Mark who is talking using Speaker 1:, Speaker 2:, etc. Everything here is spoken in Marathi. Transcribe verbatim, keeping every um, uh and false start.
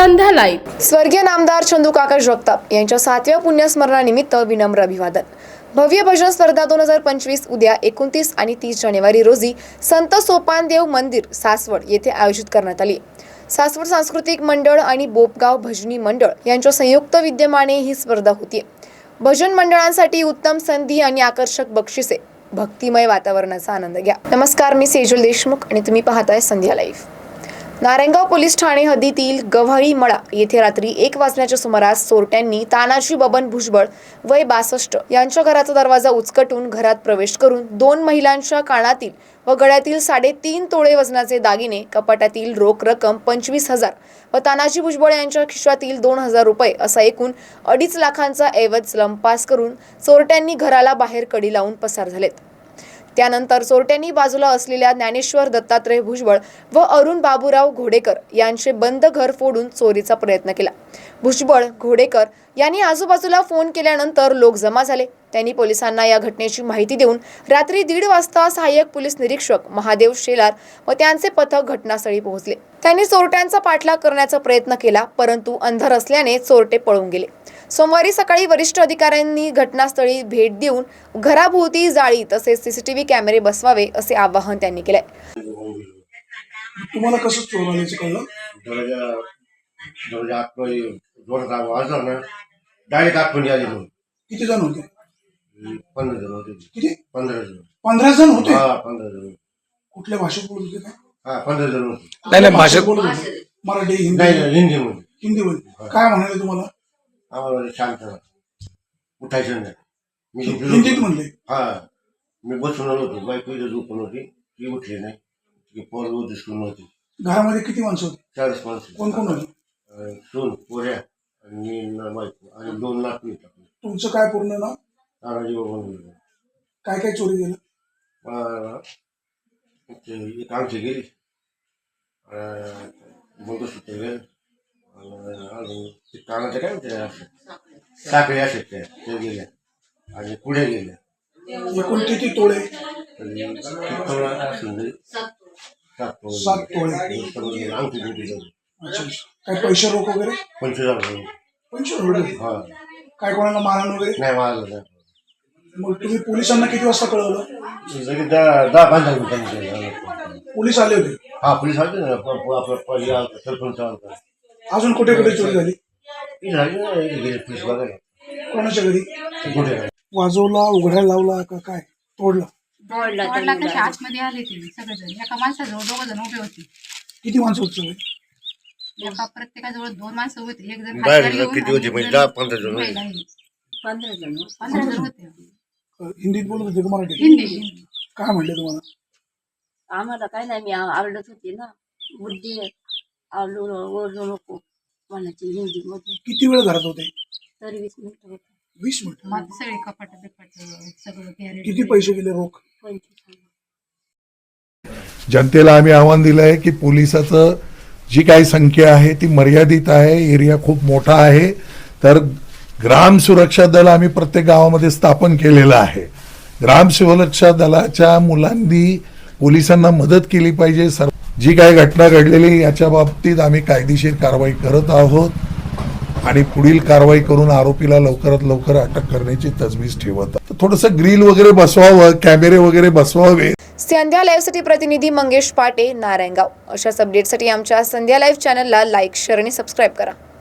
Speaker 1: संध्या लाईव्ह.
Speaker 2: स्वर्गीय नामदार चंदू काका जगताप यांच्या सातव्या पुण्यस्मरणानिमित्त विनम्र अभिवादन. भव्य भजन स्पर्धा दोन हजार पंचवीस उद्या एकोणतीस आणि तीस जानेवारी रोजी संत सोपानदेव मंदिर सासवड येथे आयोजित करण्यात आली. सासवड सांस्कृतिक मंडळ आणि बोपगाव भजनी मंडळ यांच्या संयुक्त विद्यमाने ही स्पर्धा होती. भजन मंडळांसाठी उत्तम संधी आणि आकर्षक बक्षिसे. भक्तिमय वातावरणाचा आनंद घ्या. नमस्कार, मी सेजल देशमुख आणि तुम्ही पाहताय संध्या लाईव्ह. नारायणगाव पोलीस ठाणे हद्दीतील गव्हाळी मळा येथे रात्री एक वाजण्याच्या सुमारास चोरट्यांनी तानाजी बबन भुजबळ वय बासष्ट यांच्या घराचा दरवाजा उचकटून घरात प्रवेश करून दोन महिलांच्या कानातील व गळ्यातील साडेतीन तोळे वजनाचे दागिने, कपाटातील रोख रक्कम पंचवीस हजार व तानाजी भुजबळ यांच्या खिशातील दोन हजार रुपये असा एकूण अडीच लाखांचा ऐवज लंपास करून चोरट्यांनी घराला बाहेर कडी लावून पसार झालेत. त्यानंतर चोरट्यांनी बाजूला असलेल्या ज्ञानेश्वर दत्तात्रय भुजबळ व अरुण बाबूराव घोडेकर यांचे बंद घर फोडून चोरीचा प्रयत्न केला. भुजबळ, घोडेकर यांनी आजूबाजूला फोन केल्यानंतर लोक जमा झाले. त्यांनी पोलिसांना या घटनेची माहिती देऊन रात्री दीड वाजता सहाय्यक पोलीस निरीक्षक महादेव शेलार व त्यांचे पथक घटनास्थळी पोहोचले. त्यांनी चोरट्यांचा पाठलाग करण्याचा प्रयत्न केला, परंतु अंधार असल्याने चोरटे पळून गेले. सोमवारी सकाळी वरिष्ठ अधिकाऱ्यांनी घटनास्थळी भेट देऊन घराभोवती जाळी तसेच सीसीटीव्ही कॅमेरे बसवावे असे आवाहन त्यांनी केले.
Speaker 3: तुम्हाला कसं चोरल्याचं कळलं?
Speaker 4: दरवाजा दरवाजा आतमध्ये जोरात वाजला ना, डायरेक्ट आतमध्ये आले.
Speaker 3: किती जण होते?
Speaker 4: पंधरा जण होते.
Speaker 3: किती?
Speaker 4: पंधरा जण.
Speaker 3: पंधरा जण होते?
Speaker 4: हा, पंधरा जण.
Speaker 3: कुठल्या भाषेत बोलत होते?
Speaker 4: हा, पंधरा जण होते.
Speaker 3: नाही नाही, भाषेत बोलत होते. मराठी, हिंदी?
Speaker 4: नाही नाही, हिंदीमध्ये.
Speaker 3: हिंदीमध्ये. काय म्हणाले तुम्हाला?
Speaker 4: आम्हाला शांत राहा, उठायचं नाही. मी
Speaker 3: हिंदीत म्हणले?
Speaker 4: हा, मी बसून आलो होतो. बायको इथं झोपून होती, ती उठली नाही. ती पोरं दिसून नव्हती.
Speaker 3: घरामध्ये किती माणसं होती?
Speaker 4: चाळीस माणसं.
Speaker 3: कोण कोण होती?
Speaker 4: सून, पोऱ्या आणि बायको आणि दोन लाख मी.
Speaker 3: तुमचं काय पूर्ण नाव?
Speaker 4: तानाजी बबन.
Speaker 3: काय काय चोरी गेलं?
Speaker 4: एक आमची गेली, मंगळसूत्र गेलं, कानाच्या काय म्हणते साखळी असे त्या ते गेल्या आणि पुढे गेल्या.
Speaker 3: एकूण किती तोळे? सात तोळे.
Speaker 4: आमची ड्युटी.
Speaker 3: अच्छा. काय पैसे रोख वगैरे?
Speaker 4: पंचवीस हजार.
Speaker 3: पंचवीस रुपये?
Speaker 4: हा.
Speaker 3: काय कोणाला मारहाण वगैरे?
Speaker 4: नाही मारलं नाही.
Speaker 3: मग तुम्ही पोलिसांना किती वाजता कळवलं?
Speaker 4: दहा दहा पंधरा मिनिटांनी
Speaker 3: पोलीस आले होते?
Speaker 4: हा, पोलीस आले ना. आपला सरपंच आला.
Speaker 3: अजून कुठे कुठे चोरी झाली?
Speaker 4: गेले पोलीस बघायला.
Speaker 3: कोणाच्या घरी?
Speaker 4: कुठे
Speaker 3: वाजवला, उघडायला लावला का काय? तोडला?
Speaker 5: तोडला कशा आतमध्ये आले ते सगळेजण. एका माणसाजवळ दोघ जण उभे होते.
Speaker 3: किती माणसं होती?
Speaker 5: एका प्रत्येकाजवळ दोन माणसं होते. एक जण
Speaker 4: बाहेर किती होते? म्हणजे दहा पंधरा जण.
Speaker 5: पंधरा जण पंधरा जण होते.
Speaker 3: हिंदीत बोलत होते का मराठी?
Speaker 5: हिंदी.
Speaker 3: काय म्हणले तुम्हाला?
Speaker 6: आम्हाला काय नाही, मी आरडत होते ना, बुद्धी आलू ओरडू नको म्हणायची हिंदी मध्ये.
Speaker 3: किती वेळ घरात होते?
Speaker 6: तरी वीस मिनिटं होते.
Speaker 3: वीस मिनिट.
Speaker 5: मग सगळे कपाट बिपाट सगळं गॅरेज.
Speaker 3: किती पैसे गेले रोख?
Speaker 6: पंचवीस.
Speaker 7: जनतेला आम्ही आव्हान दिलं आहे की पोलिसाचं जी काही संख्या आहे ती मर्यादित आहे. एरिया खूप मोठा आहे. तर ग्राम सुरक्षा दल आम्ही प्रत्येक गावामध्ये स्थापन केलेलं आहे. ग्राम सुरक्षा दलाच्या मुलांनी पोलिसांना मदत केली पाहिजे. सर जी काही घटना घडलेली याच्या बाबतीत आम्ही कायदेशीर कारवाई करत आहोत आणि पुढील कारवाई करून आरोपीला लवकरात लवकर अटक करण्याची तजवीज ठेवत आहोत. थोडंसं ग्रिल वगैरे बसवावं, कॅमेरे वगैरे बसवावे.
Speaker 2: संध्या लाईव्हसाठी प्रतिनिधी मंगेश पाटे, नारायणगाव. अशाच अपडेटसाठी आमच्या संध्या लाईव्ह चॅनलला लाईक, शेअर आणि सबस्क्राईब करा.